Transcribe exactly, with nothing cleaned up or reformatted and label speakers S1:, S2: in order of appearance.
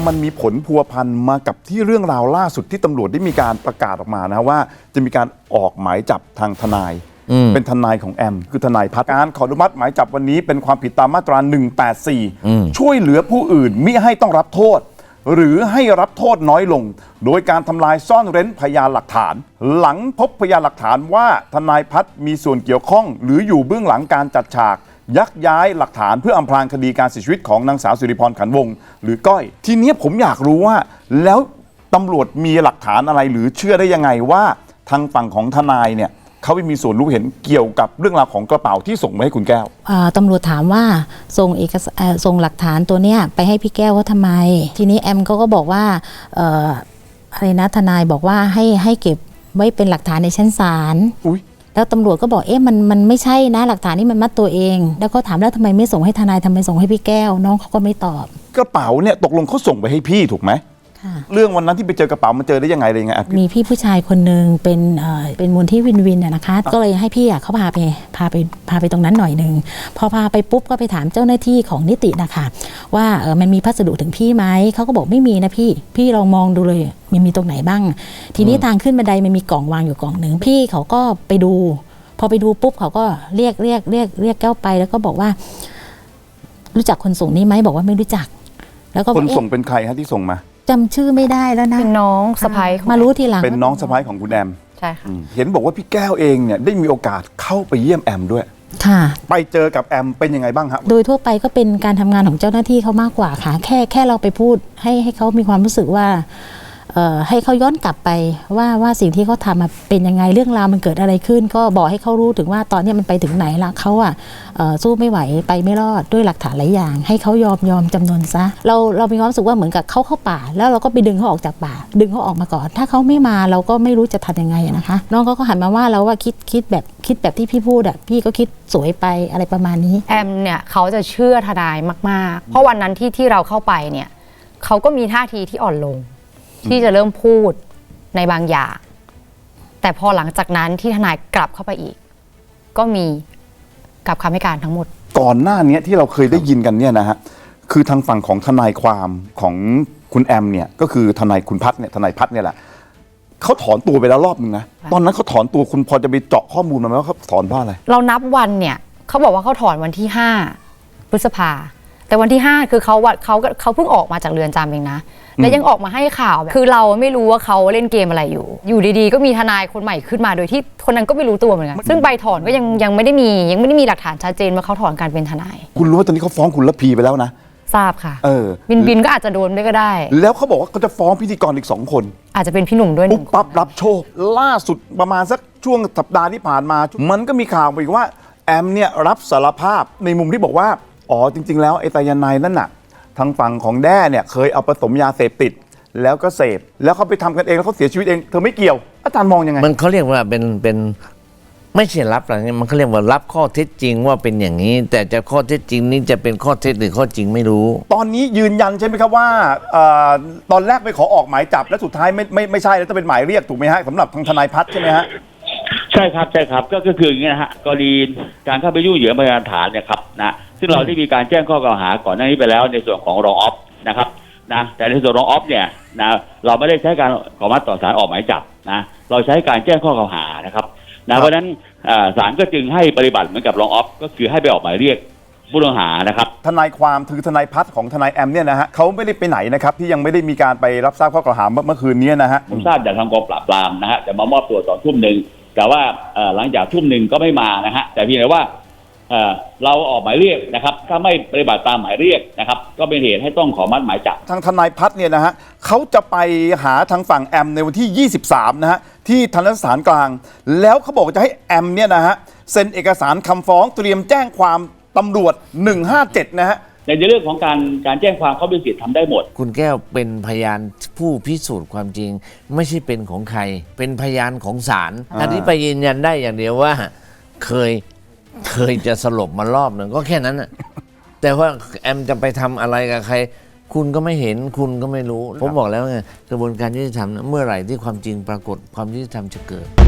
S1: มันมีผลพัวพันมากับที่เรื่องราวล่าสุดที่ตำรวจได้มีการประกาศออกมานะว่าจะมีการออกหมายจับทางทนายเป็นทนายของแอมคือทนายพัฒน์การขออนุมัติหมายจับวันนี้เป็นความผิดตามมาตราหนึ่งแปดสี่ช่วยเหลือผู้อื่นมิให้ต้องรับโทษหรือให้รับโทษน้อยลงโดยการทำลายซ่อนเร้นพยานหลักฐานหลังพบพยานหลักฐานว่าทนายพัฒน์มีส่วนเกี่ยวข้องหรืออยู่เบื้องหลังการจัดฉากยักย้ายหลักฐานเพื่ออำพรางคดีการเสียชีวิตของนางสาวสิริพรขันวงศ์หรือก้อยทีนี้ผมอยากรู้ว่าแล้วตำรวจมีหลักฐานอะไรหรือเชื่อได้ยังไงว่าทางฝั่งของทนายเนี่ยเขาไม่มีส่วนรู้เห็นเกี่ยวกับเรื่องราวของกระเป๋าที่ส่งมาให้คุณแก้ว
S2: ตำรวจถามว่าส่งเอกสารส่งหลักฐานตัวเนี้ยไปให้พี่แก้วว่าทำไมทีนี้แอมเขาก็บอกว่าอะไรนะทนายบอกว่าให้ให้เก็บไว้เป็นหลักฐานในชั้นศาลแล้วตำรวจก็บอกเอ๊ะมันมันไม่ใช่นะหลักฐานนี่มันมัดตัวเองแล้วก็ถามแล้วทำไมไม่ส่งให้ทนายทำไมส่งให้พี่แก้วน้องเขาก็ไม่ตอบ
S1: กระเป๋าเนี่ยตกลงเขาส่งไปให้พี่ถูกไหมเรื่องวันนั้นที่ไปเจอกระเป๋ามันเจอได้ยังไงอะไรยังไง
S2: มีพี่ผู้ชายคนหนึ่งเป็นเอ่อเป็นมูลที่วินวินนะคะก็เลยให้พี่อ่ะเขาพาไปพาไปพาไปตรงนั้นหน่อยหนึ่งพอพาไปปุ๊บก็ไปถามเจ้าหน้าที่ของนิตินะคะว่าเออมันมีพัสดุถึงพี่ไหมเขาก็บอกไม่มีนะพี่พี่ลองมองดูเลยมันมีตรงไหนบ้างทีนี้ทางขึ้นบันไดมันมีกล่องวางอยู่กล่องหนึ่งพี่เขาก็ไปดูพอไปดูปุ๊บเขาก็เรียกเรียกเรียกเรียกแก้วไปแล้วก็บอกว่ารู้จักคนส่งนี้ไหมบอกว่าไม่รู้จัก
S1: แล้วก็คนส่งเป็นใครฮะที่ส่งมา
S2: จำชื่อไม่ได้แล้วนะ
S3: เป็นน้องสะพ้าย
S2: มารู้ทีหลัง
S1: เป็นน้องสะพ้ายของคุณแอม
S3: ใช่ค่ะ
S1: เห็นบอกว่าพี่แก้วเองเนี่ยได้มีโอกาสเข้าไปเยี่ยมแอมด้วย
S2: ค่ะ
S1: ไปเจอกับแอมเป็นยังไงบ้างครับ
S2: โดยทั่วไปก็เป็นการทำงานของเจ้าหน้าที่เขามากกว่าค่ะแค่แค่เราไปพูดให้ให้เขามีความรู้สึกว่าให้เขาย้อนกลับไปว่าว่าสิ่งที่เขาทำเป็นยังไงเรื่องราวมันเกิดอะไรขึ้นก็บอกให้เขารู้ถึงว่าตอนนี้มันไปถึงไหนละเขาอ่ะสู้ไม่ไหวไปไม่รอดด้วยหลักฐานหลายอย่างให้เขายอมยอมจำนนซะเราเรามีความรู้สึกว่าเหมือนกับเขาเข้าป่าแล้วเราก็ไปดึงเขาออกจากป่าดึงเขาออกมาก่อนถ้าเขาไม่มาเราก็ไม่รู้จะทำยังไงนะคะน้องเขาก็หันมาว่าเราว่าคิดคิดแบบคิดแบบที่พี่พูดอ่ะพี่ก็คิดสวยไปอะไรประมาณนี้
S3: แอมเนี่ยเขาจะเชื่อทนายมากๆเพราะวันนั้นที่ที่เราเข้าไปเนี่ยเขาก็มีท่าทีที่อ่อนลงที่จะเริ่มพูดในบางอย่างแต่พอหลังจากนั้นที่ทนายกลับเข้าไปอีกก็มีกลับคำให้การทั้งหมด
S1: ก่อนหน้านี้ที่เราเคยได้ยินกันเนี่ยนะฮะคือทางฝั่งของทนายความของคุณแอมเนี่ยก็คือทนายคุณพัฒน์เนี่ยทนายพัฒน์เนี่ยแหละเขาถอนตัวไปแล้วรอบนึงนะตอนนั้นเขาถอนตัวคุณพอจะไปเจาะข้อมูลมาไหมว่าเขาถอนเพราะอะไร
S3: เรานับวันเนี่ยเขาบอกว่าเขาถอนวันที่ห้าพฤษภาแต่วันที่ห้าคือเขาเขาเขาเพิ่งออกมาจากเรือนจำเองนะและยังออกมาให้ข่าวคือเราไม่รู้ว่าเขาเล่นเกมอะไรอยู่อยู่ดีๆก็มีทนายคนใหม่ขึ้นมาโดยที่คนนั้นก็ไม่รู้ตัวเหมือนกันซึ่งใบถอนก็ยังยังไม่ได้มียังไม่ได้มีหลักฐานชัดเจนว่าเขาถอนการเป็นทนาย
S1: คุณรู้ว่าตอนนี้เขาฟ้องคุณระพีไปแล้วนะ
S3: ทราบค่ะ
S1: เออ
S3: บินบินก็อาจจะโดนด้วยก็ได้
S1: แล้วเขาบอกว่าเขาจะฟ้องพิธีกรอีกสองคน
S3: อาจจะเป็นพี่หนุ่มด้วย
S1: ปุ๊บปั๊บรับโชคล่าสุดประมาณสักช่วงสัปดาห์ที่ผ่านมามันก็มีข่าวอีกว่าแอมเนี่ยรับสารภาพในมุมที่บอกว่าอ๋อจริงๆแล้วไอ้ไตรยาไนด์นั่นน่ะทางฝั่งของแด้เนี่ยเคยเอาผสมยาเสพติดแล้วก็เสพแล้วเขาไปทำกันเองแล้วเขาเสียชีวิตเองเธอไม่เกี่ยวอาจารย์มองยังไง
S4: มันเขาเรียกว่าเป็นเป็นไม่ใช่รับอะไรมันเขาเรียกว่ารับข้อเท็จจริงว่าเป็นอย่างนี้แต่จะข้อเท็จจริงนี้จะเป็นข้อเท็จหรือข้อจริงไม่รู้
S1: ตอนนี้ยืนยันใช่ไหมครับว่าตอนแรกไปขอออกหมายจับแล้วสุดท้ายไม่ไม่ไม่ใช่แล้วจะเป็นหมายเรียกถูกไหมฮะสำหรับทางทนายพัฒน์ใช่ไหมฮะ
S5: ใช่ครับใช่ครับก็คืออย่างนี้นะฮะกรณีการเข้าไปยุ่งเหยิงพยานฐานเนี่ยครับนะซึ่งเราได้มีการแจ้งข้อกล่าวหาก่อนหน้านี้ไปแล้วในส่วนของรองออฟนะครับนะแต่ในส่วนรองออฟเนี่ยนะเราไม่ได้ใช้การขออนุมัติต่อศาลออกหมายจับนะเราใช้การแจ้งข้อกล่าวหานะครับนะเพราะฉะนั้นศาลก็จึงให้ปฏิบัติเหมือนกับรองออฟก็คือให้ไปออกหมายเรียกผู้ต้องหานะครับ
S1: ทนายความคือทนายพัฒน์ของทนายแอมเนี่ยนะฮะเขาไม่ได้ไปไหนนะครับที่ยังไม่ได้มีการไปรับทราบข้อกล่าวหาเมื่อคืนนี้นะฮะ
S5: ผมทราบจากทางกองปราบปรามนะฮะจะมามอบตัวตอนทุ่มหนึ่งแต่ว่าหลังจากทุ่มหนึ่งก็ไม่มานะฮะแต่เพียงแต่ว่าเราออกหมายเรียกนะครับถ้าไม่ปฏิบัติตามหมายเรียกนะครับก็เป็นเหตุให้ต้องขอมัดหมายจับ
S1: ทางทนายพัฒน์เนี่ยนะฮะเขาจะไปหาทางฝั่งแอมในวันที่ยี่สิบสามนะฮะที่ทันตสถานกลางแล้วเขาบอกจะให้แอมเนี่ยนะฮะเซ็นเอกสารคำฟ้องเตรียมแจ้งความตำรวจหนึ่งห้าเจ็ดนะฮะ
S5: ในเรื่องของการการแจ้งความเขาเป็นสิทธิ์ทำได้หมด
S4: คุณแก้วเป็นพยานผู้พิสูจน์ความจริงไม่ใช่เป็นของใครเป็นพยานของศาลอันนี้ไปยืนยันได้อย่างเดียวว่าเคยเคยจะสลบมารอบหนึ่งก็แค่นั้นน่ะแต่ว่าแอมจะไปทำอะไรกับใครคุณก็ไม่เห็นคุณก็ไม่รู้ผมบอกแล้วไงกระบวนการยุติธรรมเมื่อไหร่ที่ความจริงปรากฏความยุติธรรมจะเกิด